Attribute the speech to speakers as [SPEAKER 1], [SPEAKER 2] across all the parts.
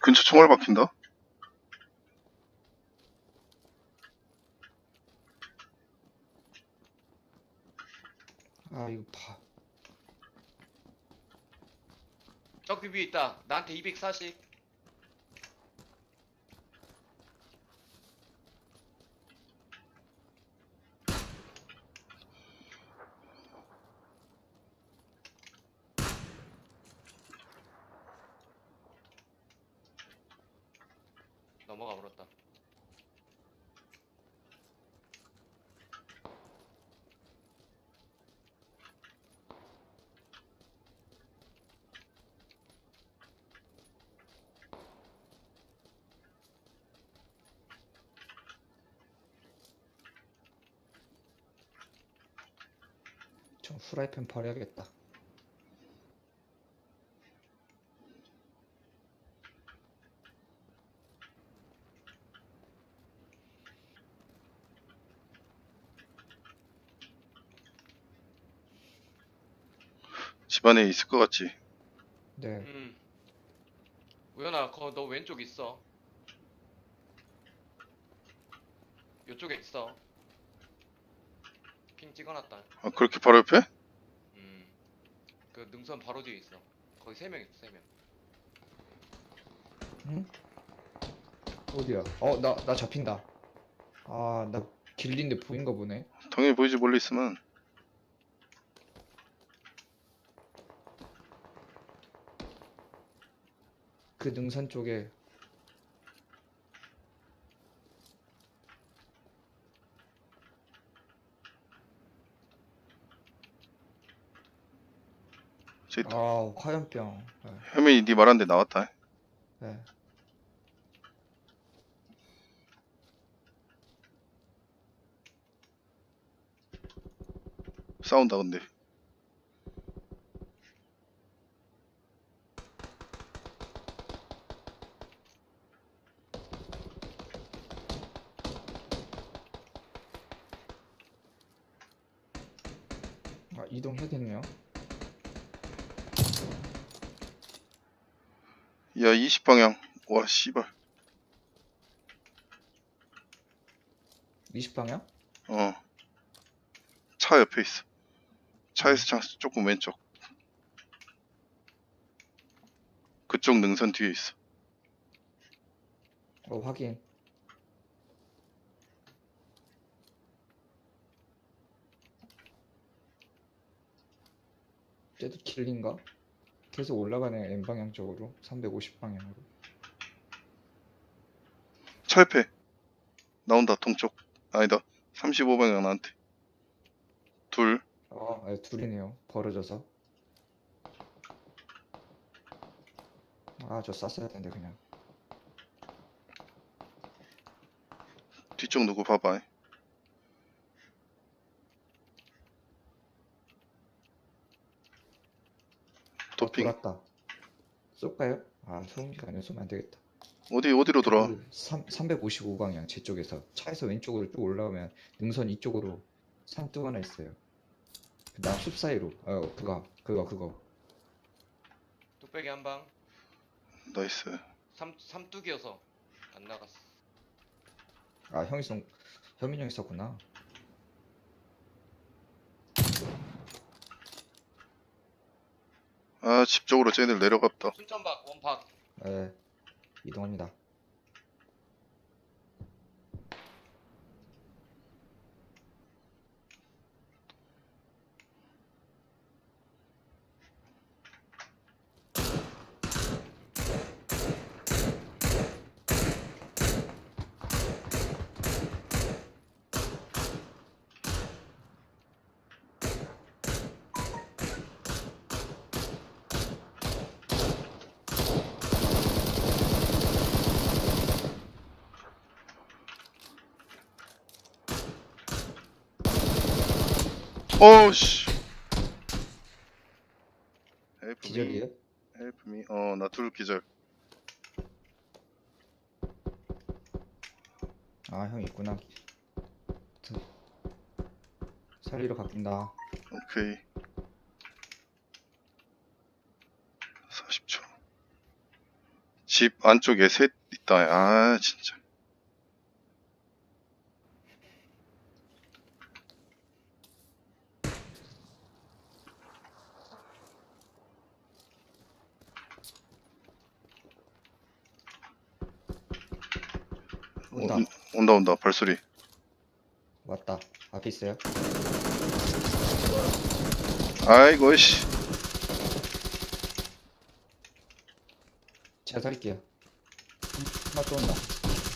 [SPEAKER 1] 근처 총알 박힌다.
[SPEAKER 2] 아 이거 봐.
[SPEAKER 3] 저기 위에 있다. 나한테 240. 넘어가 버렸다.
[SPEAKER 2] 저 후라이팬 버려야겠다.
[SPEAKER 1] 집안에 있을 것 같지.
[SPEAKER 2] 네.
[SPEAKER 3] 우연아, 너 왼쪽 있어. 요쪽에 있어. 핑 찍어놨다.
[SPEAKER 1] 아, 그렇게 바로 옆에?
[SPEAKER 3] 그 능선 바로 뒤에 있어. 거기 3명 있어, 3명.
[SPEAKER 2] 응? 어디야? 나 잡힌다. 아, 나 길린데 보인가 보네.
[SPEAKER 1] 당연히 보이지, 멀리 있으면.
[SPEAKER 2] 그 능선 쪽에.
[SPEAKER 1] 저기 있다.
[SPEAKER 2] 아, 화염병. 네.
[SPEAKER 1] 혜민이 네 말한 데 나왔다.
[SPEAKER 2] 네.
[SPEAKER 1] 싸운다, 근데.
[SPEAKER 2] 아, 이동해야겠네요.
[SPEAKER 1] 야, 20방향. 와, 씨발.
[SPEAKER 2] 20방향?
[SPEAKER 1] 어. 차 옆에 있어. 차에서 조금 왼쪽. 그쪽 능선 뒤에 있어.
[SPEAKER 2] 확인. 쟤도 길린가? 계속 올라가네, N방향 쪽으로. 350방향으로.
[SPEAKER 1] 차 옆에. 나온다, 동쪽. 아니다. 35방향 나한테. 둘.
[SPEAKER 2] 네, 둘이네요. 벌어져서. 아, 저 쐈어야 되는데, 그냥.
[SPEAKER 1] 뒤쪽 누구 봐봐. 도핑.
[SPEAKER 2] 돌았다. 쏠까요? 아, 소음기가 아니라 쏘면 안 되겠다.
[SPEAKER 1] 어디로 돌아?
[SPEAKER 2] 355방향 제 쪽에서 차에서 왼쪽으로 쭉 올라오면 능선 이쪽으로 산뚝 하나 있어요. 나 숲 사이로. 그거.
[SPEAKER 3] 뚝배기 한 방.
[SPEAKER 1] 나이스.
[SPEAKER 3] 삼뚝이어서 안 나갔어.
[SPEAKER 2] 아, 현민 형이 썼구나.
[SPEAKER 1] 아, 집 쪽으로 쟤들 내려갔다.
[SPEAKER 3] 순천박 원박.
[SPEAKER 2] 네, 이동합니다.
[SPEAKER 1] 어우씨.
[SPEAKER 2] 기절이에요?
[SPEAKER 1] 헬프미. 나 둘 기절.
[SPEAKER 2] 아, 형 있구나. 살리러 갑니다.
[SPEAKER 1] 오케이. 40초. 집 안쪽에 셋 있다. 아, 진짜.
[SPEAKER 2] 온다.
[SPEAKER 1] 온다, 발소리.
[SPEAKER 2] 왔다. 앞에 있어요.
[SPEAKER 1] 아이고, 씨.
[SPEAKER 2] 제가 살릴게요. 하나 또 온다.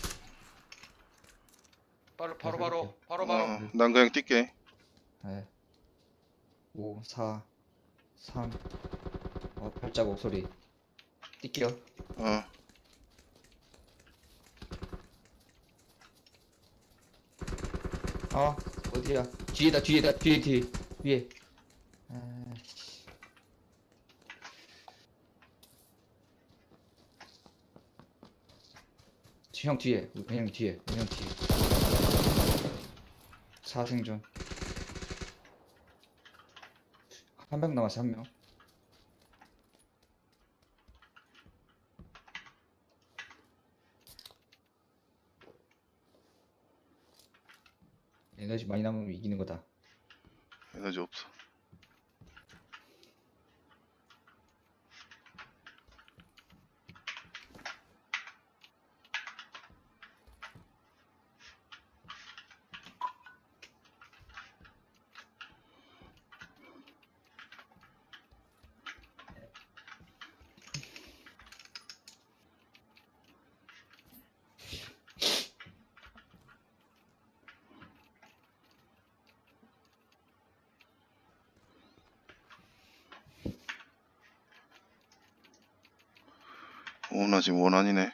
[SPEAKER 3] 바로.
[SPEAKER 1] 난 그냥 뛸게.
[SPEAKER 2] 네. 5, 4, 3. 발자국 소리. 뛸게요.
[SPEAKER 1] 어.
[SPEAKER 2] 어디야? 뒤에. 위에. 아이씨. 형 뒤에. 형 뒤에. 사생존. 한 명 남았어, 한 명. 에너지 많이 남으면 이기는 거다.
[SPEAKER 1] 에너지 없어. 나 지금 원한이네.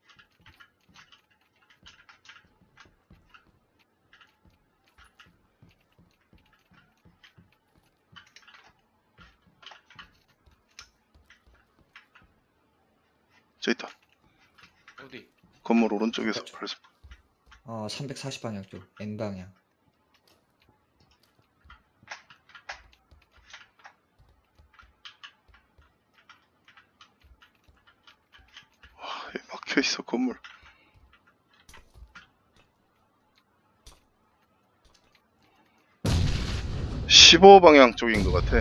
[SPEAKER 1] 저 있다.
[SPEAKER 3] 어디?
[SPEAKER 1] 건물 오른쪽에서 발소.
[SPEAKER 2] 340방향 쪽. N방향.
[SPEAKER 1] 막혀있어, 건물. (15방향) 쪽인 것 같아.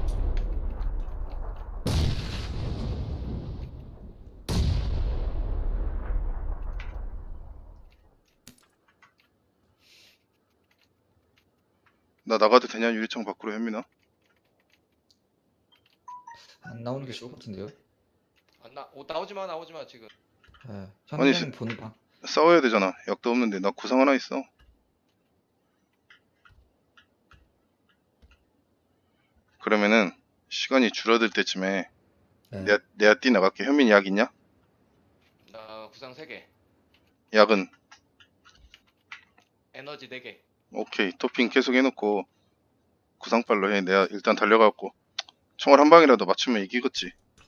[SPEAKER 1] 나 나가도 되냐? 유리창 밖으로 현민아?
[SPEAKER 2] 안 나오는 게 좋을 것 같은데요?
[SPEAKER 3] 나오지 마 지금.
[SPEAKER 2] 네.
[SPEAKER 1] 아니,
[SPEAKER 2] 현님 보는 방.
[SPEAKER 1] 싸워야 되잖아. 약도 없는데 나 구상 하나 있어. 그러면은 시간이 줄어들 때쯤에
[SPEAKER 2] 네.
[SPEAKER 1] 내가 뛰 나갈게. 현민이 약 있냐?
[SPEAKER 3] 나 구상 3개.
[SPEAKER 1] 약은
[SPEAKER 3] 에너지 4개.
[SPEAKER 1] 오케이. 토핑 계속 해놓고 구상발로 해. 내가 일단 달려가고 총알 한 방이라도 맞추면 이기겠지.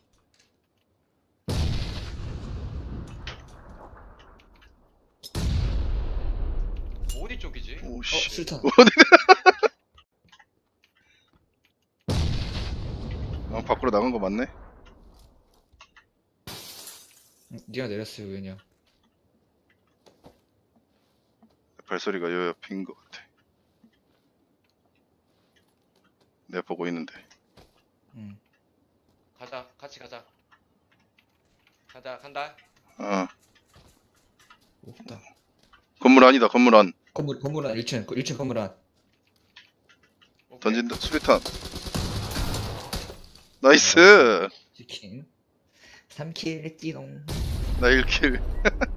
[SPEAKER 3] 어디 쪽이지?
[SPEAKER 1] 오씨.
[SPEAKER 2] 술탄.
[SPEAKER 1] 밖으로 나간 거 맞네?
[SPEAKER 2] 니가 내렸어요, 왜냐?
[SPEAKER 1] 발소리가 요 옆인 것 같아. 내가 보고 있는데.
[SPEAKER 3] 가자. 같이 가자. 간다.
[SPEAKER 2] 없다.
[SPEAKER 1] 건물 안이다. 건물 안.
[SPEAKER 2] 건물 안 1층 건물 안.
[SPEAKER 3] 오케이.
[SPEAKER 1] 던진다. 수류탄. 나이스.
[SPEAKER 2] 치킨. 3킬 찌롱.
[SPEAKER 1] 나 1킬.